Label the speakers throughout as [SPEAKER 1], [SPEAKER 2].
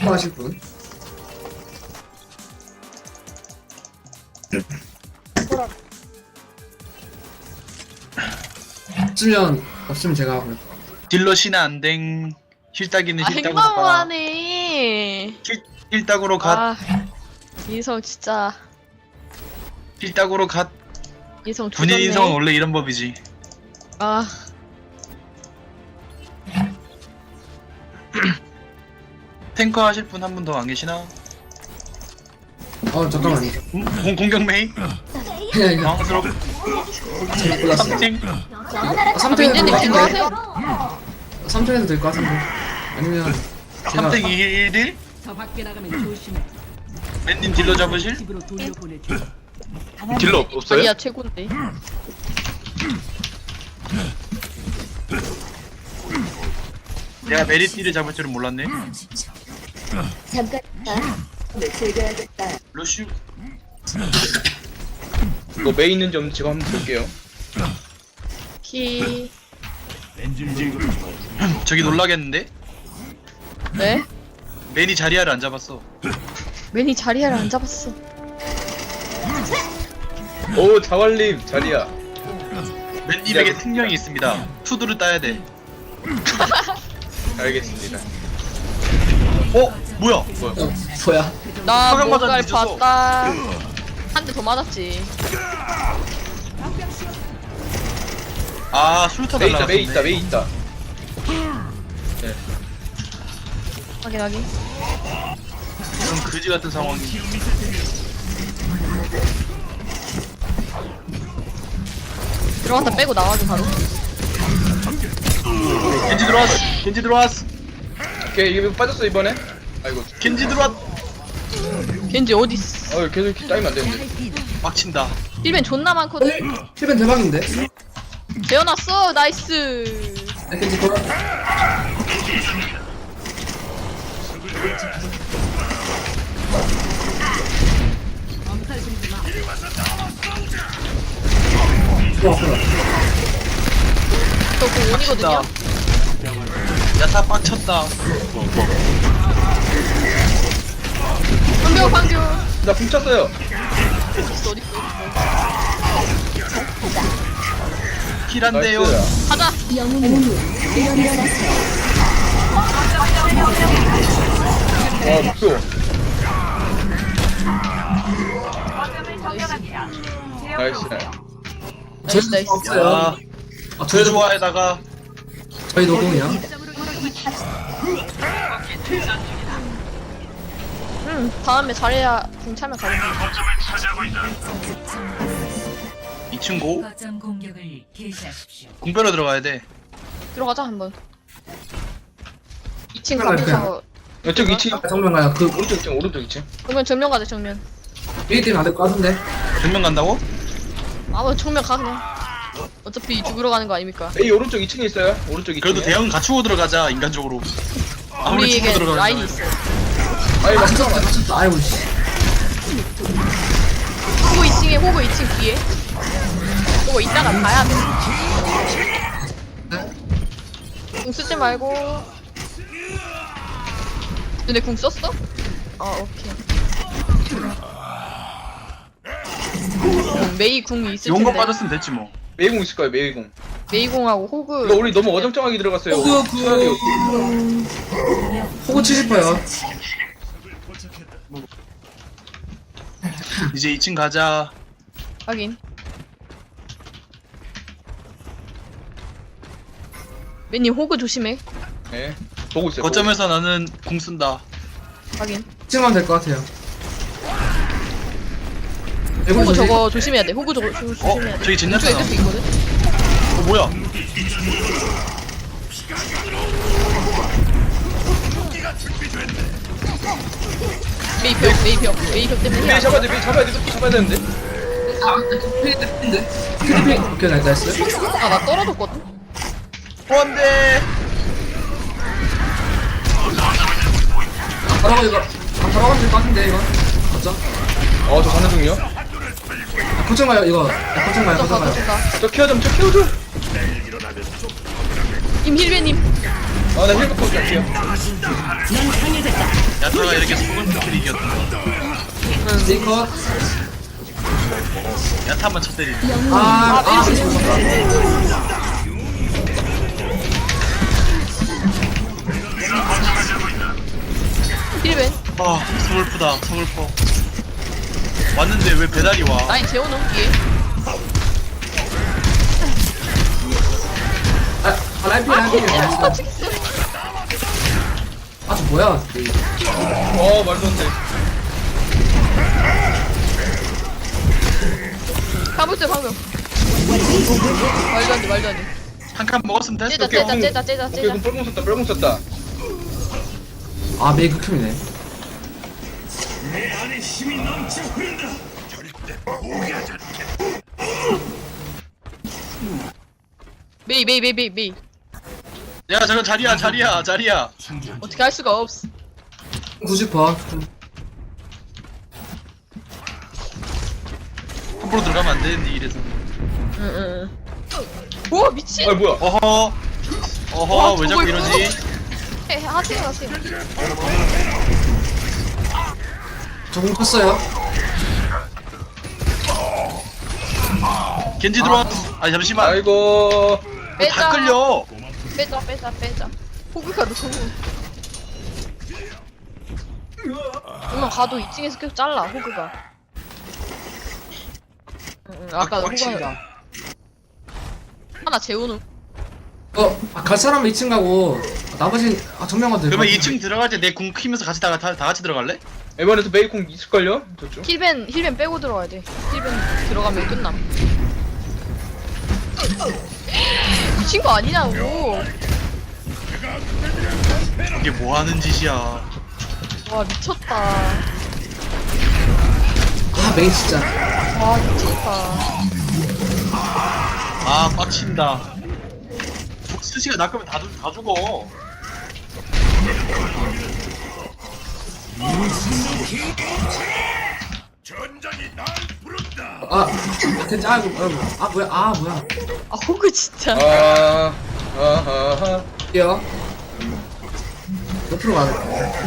[SPEAKER 1] 하실 분? 없으면 제가 하고요.
[SPEAKER 2] 딜러 신의 안댕. 힐따기는
[SPEAKER 3] 아
[SPEAKER 2] 힐따구로 가.
[SPEAKER 3] 행방하네.
[SPEAKER 2] 힐따구로 갓.
[SPEAKER 3] 아 인성 진짜
[SPEAKER 2] 힐따구로 갓.
[SPEAKER 3] 인성
[SPEAKER 2] 군인
[SPEAKER 3] 조졌네.
[SPEAKER 2] 인성은 원래 이런 법이지.
[SPEAKER 3] 아
[SPEAKER 2] 탱커 하실 분 한 분 더 안 계시나?
[SPEAKER 1] 잠깐만요.
[SPEAKER 2] 공격 메이?
[SPEAKER 1] 그냥 이거
[SPEAKER 2] 당황스럽.
[SPEAKER 1] 잘못 골랐어요.
[SPEAKER 2] 삼팅.
[SPEAKER 1] 3탱에서
[SPEAKER 3] 민재님
[SPEAKER 1] 될것
[SPEAKER 3] 딜러
[SPEAKER 1] 같은데?
[SPEAKER 3] 하세요?
[SPEAKER 1] 3탱에서 될 것 같은데? 아니면 제가
[SPEAKER 2] 3탱 1딜?
[SPEAKER 4] 저 밖에 나가면 조심해.
[SPEAKER 2] 맨님 딜러 잡으실?
[SPEAKER 4] 집으로 돌려보내줘.
[SPEAKER 5] 딜러 없어요?
[SPEAKER 3] 아니야 최고인데.
[SPEAKER 2] 내가 메리티를 잡을 줄은 몰랐네.
[SPEAKER 6] 잠깐 즐겨야겠다.
[SPEAKER 2] 루슈.
[SPEAKER 5] 이거 메이 있는지 없는지 제가 한번 볼게요.
[SPEAKER 3] 키
[SPEAKER 2] 저기 놀라겠는데?
[SPEAKER 3] 네?
[SPEAKER 2] 맨이 자리아를 안 잡았어.
[SPEAKER 3] 맨이 자리를 안 잡았어.
[SPEAKER 5] 오 자왈님 자리야.
[SPEAKER 2] 맨님에게 특령이 있습니다. 투두를 따야 돼.
[SPEAKER 5] 알겠습니다.
[SPEAKER 2] 뭐야?
[SPEAKER 1] 뭐야?
[SPEAKER 3] 나
[SPEAKER 2] 화강
[SPEAKER 3] 뭔가를
[SPEAKER 2] 맞았는데 늦었어.
[SPEAKER 3] 봤다. 한 대 더 맞았지.
[SPEAKER 2] 아 술타
[SPEAKER 5] 메이 있다
[SPEAKER 2] 날라갔네.
[SPEAKER 5] 메이 있다 메이 있다.
[SPEAKER 3] 확인 확인.
[SPEAKER 2] 그럼 그지 같은 상황이.
[SPEAKER 3] 들어갔다 빼고 나와줘 바로.
[SPEAKER 2] 겐지 들어왔어. 겐지 들어왔어.
[SPEAKER 5] 오케이 이거 빠졌어 이번에. 아이고.
[SPEAKER 2] 겐지 들어왔.
[SPEAKER 3] 겐지 어딨어?
[SPEAKER 5] 계속 이렇게 따이면 안 되는데.
[SPEAKER 2] 빡친다.
[SPEAKER 3] 힐벤 존나 많거든.
[SPEAKER 1] 힐벤 대박인데?
[SPEAKER 3] 재워놨어 나이스.
[SPEAKER 1] 겐지 돌아.
[SPEAKER 4] 엄살 부리지 마.
[SPEAKER 1] 좋아, 좋아.
[SPEAKER 3] 저그 원이거든요.
[SPEAKER 2] 야타 빡쳤다.
[SPEAKER 3] 방교 방교.
[SPEAKER 5] 나 훔쳤어요.
[SPEAKER 3] 어딨어 어딨어.
[SPEAKER 2] 힐한데요.
[SPEAKER 5] 나이스.
[SPEAKER 3] 가자.
[SPEAKER 5] 목표. 나이스.
[SPEAKER 3] 나이스 나이스.
[SPEAKER 1] 없어요.
[SPEAKER 2] 야,
[SPEAKER 1] 저희도
[SPEAKER 2] 좋아에다가
[SPEAKER 1] 저희 노동이요.
[SPEAKER 3] 다음에 잘해야 궁 차면 가겠다.
[SPEAKER 2] 2층 고
[SPEAKER 4] 거점 공격을 개시하십시오.
[SPEAKER 2] 공배로 들어가야 돼.
[SPEAKER 3] 들어가자 한번. 2층
[SPEAKER 1] 들어갈게요.
[SPEAKER 3] 가면서
[SPEAKER 5] 이쪽 2층.
[SPEAKER 1] 정면 가요. 그
[SPEAKER 5] 오른쪽 2층 오른쪽 2층.
[SPEAKER 3] 그러면 정면 가자 정면.
[SPEAKER 1] 이 때문에 안될 것 같은데?
[SPEAKER 2] 정면 간다고?
[SPEAKER 3] 아뭐 정면 가 그냥. 어차피 죽으러 가는 거 아닙니까?
[SPEAKER 5] 메이 오른쪽 2층에 있어요. 오른쪽 2층.
[SPEAKER 2] 그래도 대형 갖추고 들어가자 인간적으로. 아무리 치고
[SPEAKER 3] 우리에게
[SPEAKER 2] 들어가는
[SPEAKER 3] 라인이
[SPEAKER 2] 거야.
[SPEAKER 3] 있어.
[SPEAKER 5] 아니 막
[SPEAKER 1] 맞췄다, 맞췄다. 아이고, 씨.
[SPEAKER 3] 호구 2층에 호구 2층 뒤에. 호구 이따가 가야 돼. 궁 쓰지 말고. 근데 궁 썼어? 오케이. 메이 궁이 있을
[SPEAKER 2] 용거
[SPEAKER 3] 텐데.
[SPEAKER 2] 빠졌으면 됐지 뭐.
[SPEAKER 5] 메이공 있을 거예요 메이공.
[SPEAKER 3] 메이 궁하고 호그.
[SPEAKER 5] 이거 우리 너무 어정쩡하게 들어갔어요. 차라리
[SPEAKER 1] 호구 70%요.
[SPEAKER 2] 이제 2층 가자.
[SPEAKER 3] 확인. 메님 호그 조심해.
[SPEAKER 5] 네. 보고 있어요.
[SPEAKER 2] 거점에서 나는 궁 쓴다.
[SPEAKER 3] 확인.
[SPEAKER 1] 찍으면 될 것 같아요.
[SPEAKER 3] 호그 저거 조심해야 돼. 호그 저거 조심해야 돼.
[SPEAKER 2] 저기 젠야타
[SPEAKER 3] 왼쪽에 끝에 있거든.
[SPEAKER 2] 뭐야?
[SPEAKER 3] 메이벽 때문에.
[SPEAKER 5] 메이 잡아야 돼. 메이 잡아야 돼. 이거 잡아야 되는데.
[SPEAKER 1] 필드필드. 오케이, 나이스.
[SPEAKER 3] 나 떨어졌거든.
[SPEAKER 2] 안돼.
[SPEAKER 1] 바로 이거. 바로 가면 될 것 같은데, 이거. 맞죠?
[SPEAKER 5] 저 가는 중이요.
[SPEAKER 1] 걱정 마요, 이거. 걱정 마요, 걱정 마요.
[SPEAKER 5] 저 케어 좀, 저 케어 좀.
[SPEAKER 3] 임 힐베님.
[SPEAKER 5] 나 힐백 볼게 할게요.
[SPEAKER 4] 넌 당연히
[SPEAKER 2] 야타가 이렇게 속은 스킬이 이겼다.
[SPEAKER 1] 링컷.
[SPEAKER 2] 야타만 쳐 때리네.
[SPEAKER 3] 힐벤.
[SPEAKER 2] 아 서글프다 서글퍼. 왔는데 왜 배달이 와?
[SPEAKER 3] 라인 재워놓은 뒤에.
[SPEAKER 1] 라이피. 아, 저 뭐야?
[SPEAKER 5] 말도 안 돼.
[SPEAKER 3] 가보세요 방금. 말도 안 돼.
[SPEAKER 2] 한 칸 먹었으면 됐어.
[SPEAKER 3] 째자
[SPEAKER 5] 오케이,
[SPEAKER 3] 째자.
[SPEAKER 5] 오케이, 그럼 뻘공 썼다.
[SPEAKER 1] 아, 메이크 큐이네.
[SPEAKER 3] 메이.
[SPEAKER 2] 야 저거 자리야.
[SPEAKER 3] 어떻게 할 수가 없어.
[SPEAKER 1] 90%.
[SPEAKER 2] 함부로 들어가면 안 되는데 이래서.
[SPEAKER 3] 응. 우와 미친.
[SPEAKER 5] 아, 뭐야?
[SPEAKER 2] 어허 왜 자꾸
[SPEAKER 3] 저걸
[SPEAKER 2] 이러지?
[SPEAKER 3] 하세요.
[SPEAKER 1] 저공 컸어요.
[SPEAKER 2] 겐지 들어와. 아니 잠시만.
[SPEAKER 5] 아이고.
[SPEAKER 2] 다 끌려.
[SPEAKER 3] 빼자. 호그가도 호그. 그러면 가도 2층에서 계속 잘라 호그가. 응, 아까 호그
[SPEAKER 2] 빡친다.
[SPEAKER 3] 하나 재우는.
[SPEAKER 1] 갈 사람은 2층 가고, 나머지, 정면가도
[SPEAKER 2] 그러면 2층 들어갈 때 내 궁 키면서 같이 다 같이 들어갈래?
[SPEAKER 5] 이번에도 메이콩 있을걸요? 저쪽?
[SPEAKER 3] 힐벤 빼고 들어가야 돼. 힐벤 들어가면 끝남. 미친 거 아니냐고.
[SPEAKER 2] 이게 뭐 하는 짓이야?
[SPEAKER 3] 와 미쳤다.
[SPEAKER 1] 아, 메이 진짜.
[SPEAKER 3] 와 미쳤다.
[SPEAKER 2] 아 빡친다. 수시가 낚으면 다 죽어.
[SPEAKER 1] 진짜, 뭐야.
[SPEAKER 3] 아 호그 진짜.
[SPEAKER 5] 아하하.
[SPEAKER 1] 뛰어. 옆으로 가야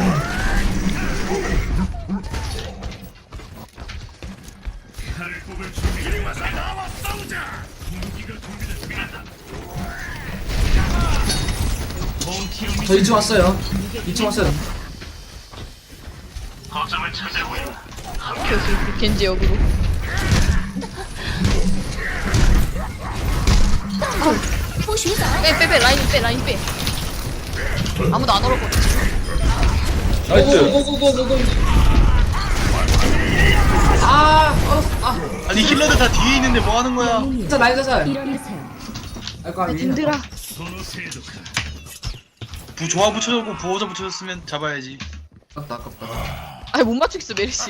[SPEAKER 1] 저 2층 왔어요. 2층 왔어요.
[SPEAKER 3] 오케이. 겐지 여기로. 빼 라인 빼. 아무도 안 얼었거든.
[SPEAKER 5] 나이스.
[SPEAKER 1] 고고고고고고.
[SPEAKER 2] 아니 힐러들 다 뒤에 있는데 뭐 하는 거야?
[SPEAKER 1] 진짜 라인 자살.
[SPEAKER 6] 일어나세요.
[SPEAKER 1] 아이고, 아니.
[SPEAKER 3] 힘들어.
[SPEAKER 2] 조화 붙여줬고 부호자 붙여줬으면 잡아야지.
[SPEAKER 1] 아깝다.
[SPEAKER 3] 아니 못 맞추겠어 메르시.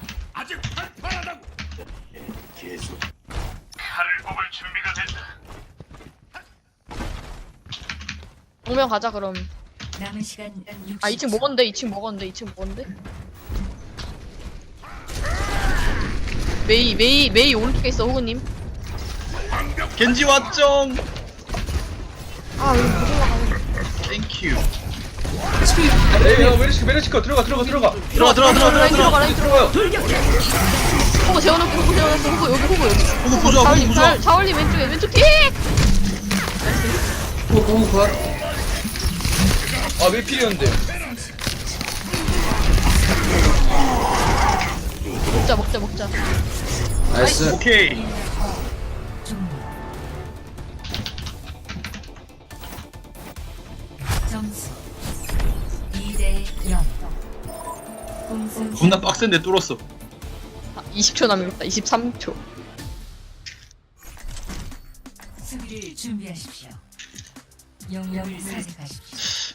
[SPEAKER 3] 정면 가자 그럼.
[SPEAKER 4] 남은 시간 60초.
[SPEAKER 3] 아 2층 먹었는데 2층 먹었는데. 메이 오른쪽에 있어 호그님.
[SPEAKER 2] 겐지 왔정.
[SPEAKER 3] 아 여기 못 올라가네.
[SPEAKER 2] 땡큐.
[SPEAKER 5] 에이, 야, 메르시커 들어가.
[SPEAKER 2] 들어가.
[SPEAKER 3] 라인 들어가.
[SPEAKER 5] 들어가요.
[SPEAKER 3] 호그 재워놓고 호그 여기.
[SPEAKER 2] 호구 부좋아.
[SPEAKER 3] 자올리 왼쪽 킥.
[SPEAKER 1] 고고 굿.
[SPEAKER 5] 아, 메이필이었는데.
[SPEAKER 3] 먹자.
[SPEAKER 1] 나이스.
[SPEAKER 2] 오케이.
[SPEAKER 4] 점수 2대 0. 공수
[SPEAKER 2] 존나 빡센데 뚫었어.
[SPEAKER 3] 20초 남았다. 23초.
[SPEAKER 4] 수비를 준비하십시오. 영역을 선택하십시오.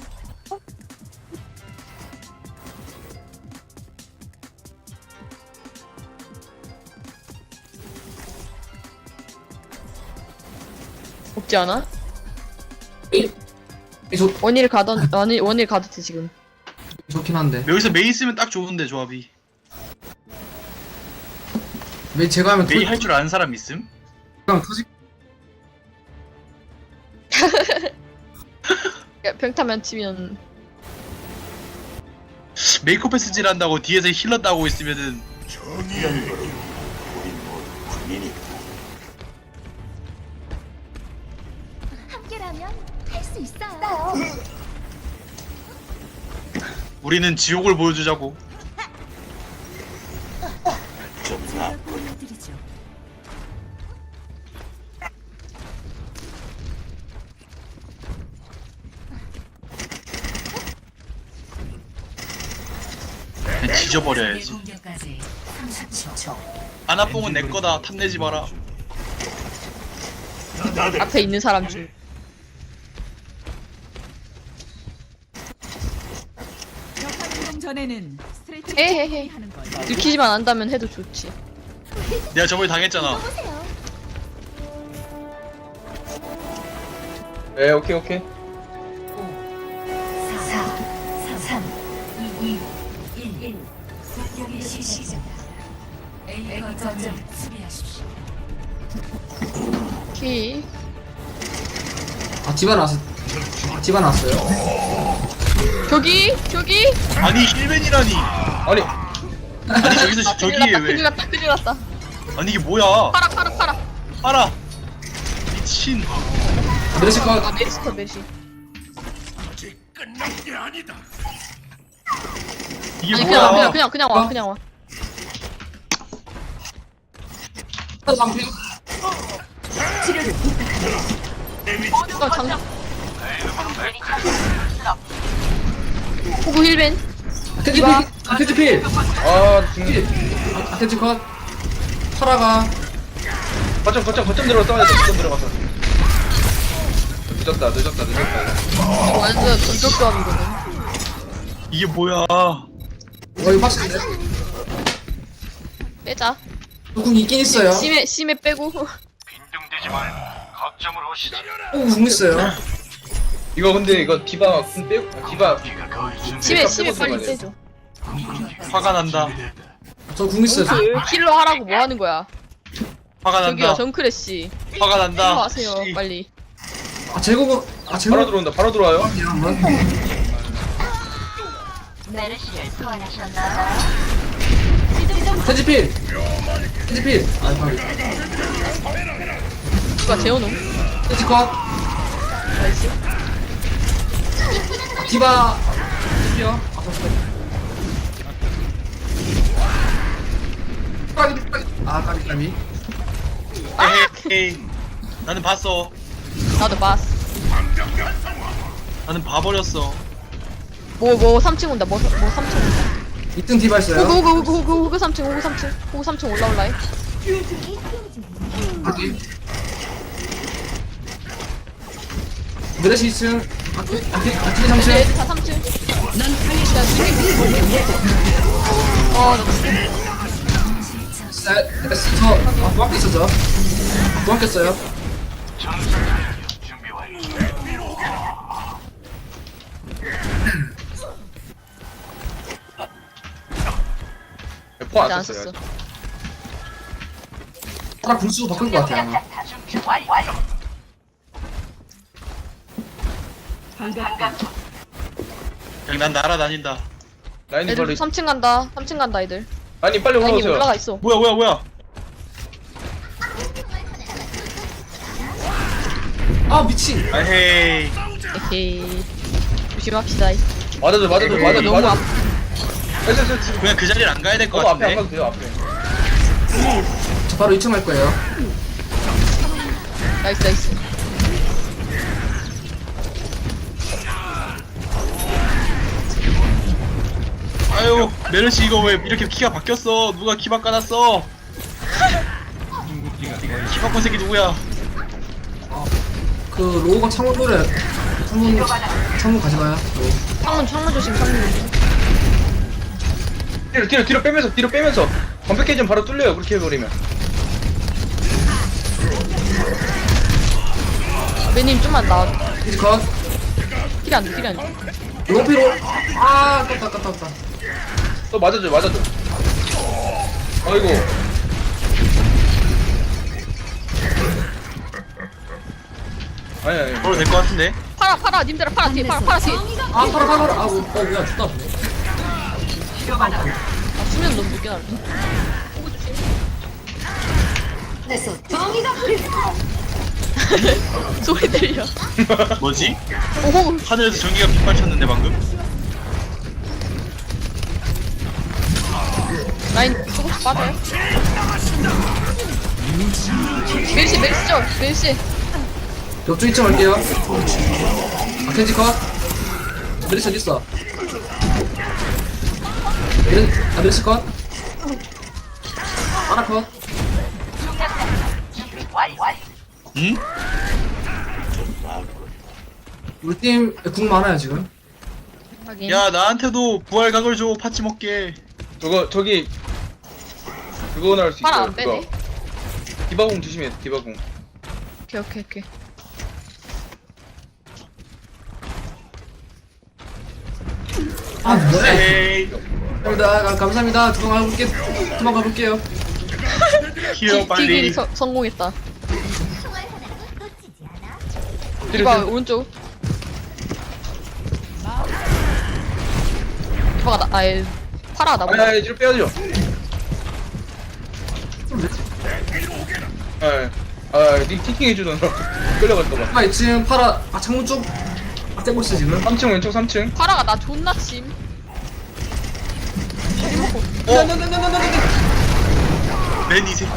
[SPEAKER 3] 없지 않아?
[SPEAKER 1] 좋긴
[SPEAKER 3] 원일 가도 돼 지금.
[SPEAKER 1] 한데.
[SPEAKER 2] 여기서 메이 쓰면 딱 좋은데 조합이.
[SPEAKER 1] 메이 제가 하면
[SPEAKER 2] 메이 할 줄 아는 사람 있음?
[SPEAKER 1] 그냥 터지.
[SPEAKER 3] 평타만 치면
[SPEAKER 2] 메이크업 패스질 한다고 뒤에서 힐러 따고 있으면은
[SPEAKER 6] 함께라면 할 수 있어요.
[SPEAKER 2] 우리는 지옥을 보여주자고.
[SPEAKER 4] 제가 보여드리죠.
[SPEAKER 2] 그냥 지져버려야지.
[SPEAKER 4] 공격까지 30초.
[SPEAKER 2] 아나뽕은 내 거다. 탐내지 마라.
[SPEAKER 3] 앞에 있는 사람 중.
[SPEAKER 7] 운동 전에는 스트레칭
[SPEAKER 3] 헤헤헤.
[SPEAKER 7] 하는 걸.
[SPEAKER 3] 들키지만 안다면 해도 좋지.
[SPEAKER 2] 내가 저번에 당했잖아.
[SPEAKER 5] 네, 오케이, 오케이.
[SPEAKER 4] 5, 4, 3, 2, 1. 공격의 시작입니다. A 거점을 수비하십시오.
[SPEAKER 3] 오케이.
[SPEAKER 1] 아 디바 나왔어. 아 디바 나왔어요.
[SPEAKER 3] 저기
[SPEAKER 2] 아니 힐맨이라니.
[SPEAKER 5] 아니,
[SPEAKER 2] 아니 저기서 저기에 왜?
[SPEAKER 3] 큰일 났다 큰일 났다.
[SPEAKER 2] 아니 이게 뭐야?
[SPEAKER 3] 팔아.
[SPEAKER 2] 알아. 미친.
[SPEAKER 1] 메르시 컷.
[SPEAKER 3] 아 메리스터 메시.
[SPEAKER 2] 이게
[SPEAKER 3] 아니
[SPEAKER 2] 뭐야?
[SPEAKER 3] 그냥 와.
[SPEAKER 1] 방패.
[SPEAKER 3] 장난. 호구 힐벤.
[SPEAKER 1] 디바. 아테지 필.
[SPEAKER 5] 아,
[SPEAKER 1] 필. 아테지 컷. 파라가.
[SPEAKER 5] 거점 들어가 싸워야 돼. 거점 들어가서. 늦었다.
[SPEAKER 3] 완전 전적조합이거든.
[SPEAKER 2] 이게 뭐야?
[SPEAKER 1] 이거 빡치네.
[SPEAKER 3] 빼자.
[SPEAKER 1] 조금 있긴 있어요.
[SPEAKER 3] 심해 빼고.
[SPEAKER 1] 궁 있어요.
[SPEAKER 5] 이거 근데 이거 디바 궁 빼고 디바
[SPEAKER 3] 심해
[SPEAKER 5] 빼고
[SPEAKER 3] 빨리
[SPEAKER 5] 들어가야 돼.
[SPEAKER 3] 빼줘.
[SPEAKER 2] 화가 난다.
[SPEAKER 1] 저 궁 있어요.
[SPEAKER 3] 힐러 하라고 뭐 하는 거야?
[SPEAKER 2] 화가
[SPEAKER 3] 저기요
[SPEAKER 2] 난다.
[SPEAKER 3] 정크래쉬.
[SPEAKER 2] 화가
[SPEAKER 3] 힐러
[SPEAKER 2] 난다.
[SPEAKER 3] 하세요
[SPEAKER 2] 씨.
[SPEAKER 3] 빨리.
[SPEAKER 1] 아 제국은 아 제국.
[SPEAKER 5] 바로 들어온다. 바로 들어와요.
[SPEAKER 1] 한번. 테지필. 테지필. 아 방금.
[SPEAKER 3] 누가 재워놓은?
[SPEAKER 1] 테지 컷.
[SPEAKER 3] 나이스.
[SPEAKER 1] 디바. 디비요. 아 까비.
[SPEAKER 2] 에헤이. 나는 봤어.
[SPEAKER 3] 나도 봤어.
[SPEAKER 2] 나는 봐버렸어.
[SPEAKER 3] 뭐 3층 온다. 뭐 3층 온다.
[SPEAKER 1] 2등 디바 있어요.
[SPEAKER 3] 호구 3층. 호구 3층 올라올라해.
[SPEAKER 1] 여기. 메르시 2층. 아테지 3층.
[SPEAKER 3] 얘들 다 3층. 난
[SPEAKER 1] 저 도망가 있었죠. 도망갔어요.
[SPEAKER 5] 포안
[SPEAKER 3] 안
[SPEAKER 5] 썼어요.
[SPEAKER 3] 썼어.
[SPEAKER 1] 타라 군수 바꿀 것 같아요. 아마.
[SPEAKER 2] 그냥 난 날아다닌다.
[SPEAKER 5] 라인이
[SPEAKER 3] 애들
[SPEAKER 5] 빨리
[SPEAKER 3] 3층 간다. 3층 간다 애들.
[SPEAKER 5] 라인이 빨리
[SPEAKER 3] 라인이
[SPEAKER 5] 올라오세요.
[SPEAKER 3] 올라가 있어.
[SPEAKER 2] 뭐야?
[SPEAKER 1] 아 미친.
[SPEAKER 2] 에헤이.
[SPEAKER 3] 에헤이. 조심합시다.
[SPEAKER 5] 맞아줘.
[SPEAKER 3] 너무 앞.
[SPEAKER 2] 그냥 그 자리를 안 가야 될 것
[SPEAKER 5] 앞에 안
[SPEAKER 2] 같은데.
[SPEAKER 5] 가도 돼요. 앞에.
[SPEAKER 1] 저 바로 2층 갈 거예요.
[SPEAKER 3] 나이스.
[SPEAKER 2] 아유 메르시 이거 왜 이렇게 키가 바뀌었어? 누가 키 바꿔놨어? 키 바꾼 새끼 누구야?
[SPEAKER 1] 그 로우가 창문 노래. 창문 가지 마요.
[SPEAKER 3] 창문 조심. 창문 조심.
[SPEAKER 5] 뒤로 빼면서 완벽해 좀 바로 뚫려요. 그렇게 해버리면.
[SPEAKER 3] 매님 좀만 나와.
[SPEAKER 1] 테지 컷.
[SPEAKER 3] 힐이 안 돼.
[SPEAKER 1] 로피로. 아 깝다.
[SPEAKER 5] 또 맞아줘. 아이고. 아니.
[SPEAKER 2] 바로 될 것 같은데.
[SPEAKER 3] 팔아 님들아 팔아 뒤에. 팔아 뒤에.
[SPEAKER 1] 아 파라. 아 뭐야 죽다.
[SPEAKER 3] 수면 너무 늦게 나왔네. 소리 들려.
[SPEAKER 2] 뭐지?
[SPEAKER 3] 오,
[SPEAKER 2] 하늘에서 전기가 빗발쳤는데 방금?
[SPEAKER 3] 라인 조금씩 빠져요. 멜시, 멜시죠? 멜시.
[SPEAKER 1] 옆쪽 2층 갈게요. 아, 켄지 컷. 메리시 어딨어? 메리시 컷. 하나 컷.
[SPEAKER 2] 응?
[SPEAKER 1] 우리 팀 궁 많아요, 지금.
[SPEAKER 3] 확인.
[SPEAKER 2] 야 나한테도 부활각을 줘 파치 먹게.
[SPEAKER 5] 저기 그거 나올 수
[SPEAKER 3] 팔
[SPEAKER 5] 있어요.
[SPEAKER 3] 안 빼네.
[SPEAKER 5] 디바공 조심해. 디바공.
[SPEAKER 3] 오케이, 오케이, 오케이.
[SPEAKER 1] 아, 뭐야.
[SPEAKER 2] 에이
[SPEAKER 1] 감사합니다. 감사합니다. 두번 가볼게요.
[SPEAKER 2] 히어 빨리.
[SPEAKER 3] 딜 성공했다.
[SPEAKER 5] 뒤로,
[SPEAKER 3] 이봐,
[SPEAKER 5] 뒤로.
[SPEAKER 3] 오른쪽. 이봐가 나, 아예, 파라 나보다.
[SPEAKER 5] 아니 뒤로 빼야죠. 니 팅팅 해주던 끌려갔다가.
[SPEAKER 1] 아, 2층 파라. 아, 창문 쪽. 아, 떼고 있어, 지금.
[SPEAKER 5] 3층 왼쪽 3층.
[SPEAKER 3] 파라가 나 존나 침.
[SPEAKER 2] 맨이 새끼.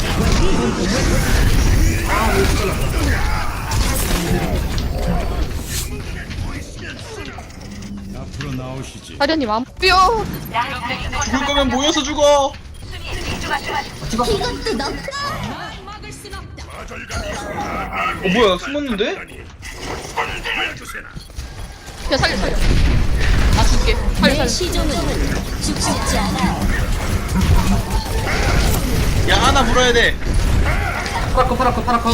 [SPEAKER 3] 사련님 안 뼈.
[SPEAKER 2] 죽을 거면 모여서 죽어.
[SPEAKER 6] 이것도 너
[SPEAKER 5] 뭐야 숨었는데?
[SPEAKER 3] 그냥 살려. 나 줄게. 살려.
[SPEAKER 6] 시종은 죽지 않아.
[SPEAKER 2] 야 하나 물어야 돼.
[SPEAKER 1] 파라 컷.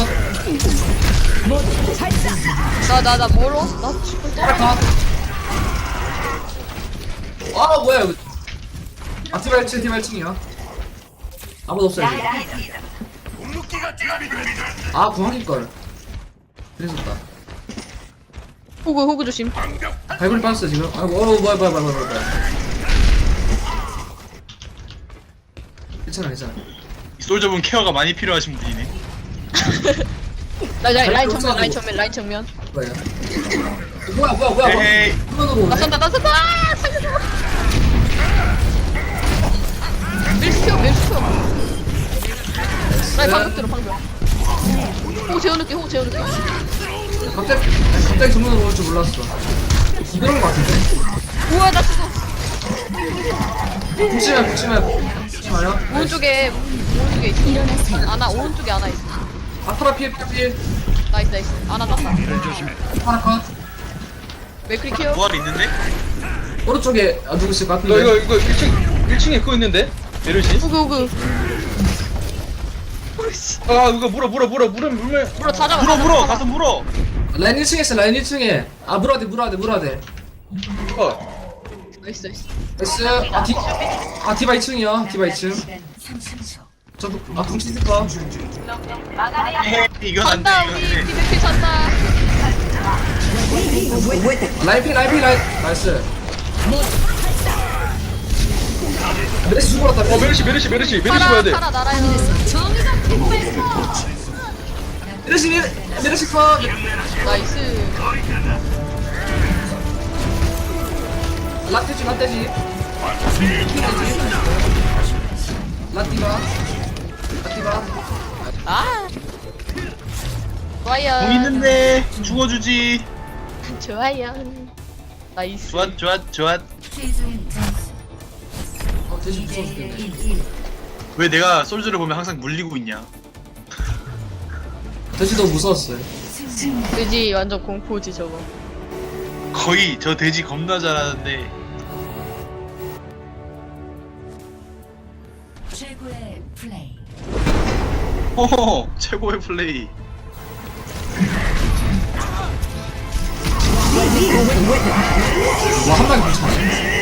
[SPEAKER 3] 나 멀어. 나 죽을 때.
[SPEAKER 1] 파라 컷. 아, 뭐야, 이거. 아, 디바 1층이야. 아무도 없어요, 지금. 아, 궁합일걸. 그랬었다.
[SPEAKER 3] 호구 조심.
[SPEAKER 1] 발굴이 빠졌어, 지금. 아이고, 뭐야. 괜찮아.
[SPEAKER 2] 이 솔저분 케어가 많이 필요하신 분이네.
[SPEAKER 3] 라인 정면.
[SPEAKER 1] 뭐야. 뭐야.
[SPEAKER 2] 에헤이.
[SPEAKER 1] 후면으로
[SPEAKER 3] 나
[SPEAKER 1] 오네.
[SPEAKER 3] 쏜다. 아, 살려줘. 밀수 튀어. 라인 방금 들어, 방금. 호구 재워놓게.
[SPEAKER 1] 갑자기 정면으로 올 줄 몰랐어. 이런 거 같은데?
[SPEAKER 3] 우와, 나 죽어.
[SPEAKER 1] 조심해요.
[SPEAKER 3] 오른쪽에 있어. 아나, 오른쪽에 아나 있어.
[SPEAKER 1] 아, 파라 피해.
[SPEAKER 3] 나이스. 아나 땄다.
[SPEAKER 1] 파라 컷.
[SPEAKER 3] 맥크리 키어.
[SPEAKER 2] 부활 있는데?
[SPEAKER 1] 오른쪽에 누구 있을 것
[SPEAKER 5] 이거
[SPEAKER 1] 같은데?
[SPEAKER 5] 1층에 그거 있는데? 메르시?
[SPEAKER 3] 호구.
[SPEAKER 5] 아 이거 물면
[SPEAKER 3] 물어 다 잡아.
[SPEAKER 2] 물어 가서 물어.
[SPEAKER 1] 라인 1층에 있어, 라인 1층에. 아, 물어야 돼.
[SPEAKER 3] 나이스.
[SPEAKER 1] 나이스. 아, 디바 2층이야. 디바 2층.
[SPEAKER 4] 시간 30초.
[SPEAKER 1] 저도, 궁치 있을까?
[SPEAKER 2] 에헤이 이건 안돼
[SPEAKER 3] 잔다,
[SPEAKER 2] 이건
[SPEAKER 3] 우리
[SPEAKER 2] 안돼.
[SPEAKER 3] 디베트 잔다.
[SPEAKER 1] 라인. 나이스. 메르시 죽어랐다.
[SPEAKER 5] 메르시 봐야 돼.
[SPEAKER 3] 파라 날아요.
[SPEAKER 1] 메르시 컷.
[SPEAKER 3] 나이스.
[SPEAKER 1] 라떼지. 라티바.
[SPEAKER 3] 아. 좋아요.
[SPEAKER 2] 공 있는데 죽어주지.
[SPEAKER 3] 좋아요. 나이스.
[SPEAKER 2] 좋아.
[SPEAKER 4] 최종 점수
[SPEAKER 1] 돼지
[SPEAKER 4] 2대
[SPEAKER 1] 무서워 죽겠네.
[SPEAKER 4] 1.
[SPEAKER 2] 왜 내가 솔저를 보면 항상 물리고 있냐?
[SPEAKER 1] 돼지 너무 무서웠어요.
[SPEAKER 3] 돼지 완전 공포지 저거.
[SPEAKER 2] 거의 저 돼지 겁나 잘하는데.
[SPEAKER 4] 최고의 플레이.
[SPEAKER 2] 호호 최고의 플레이.
[SPEAKER 1] 와, 한 방에 괜찮아.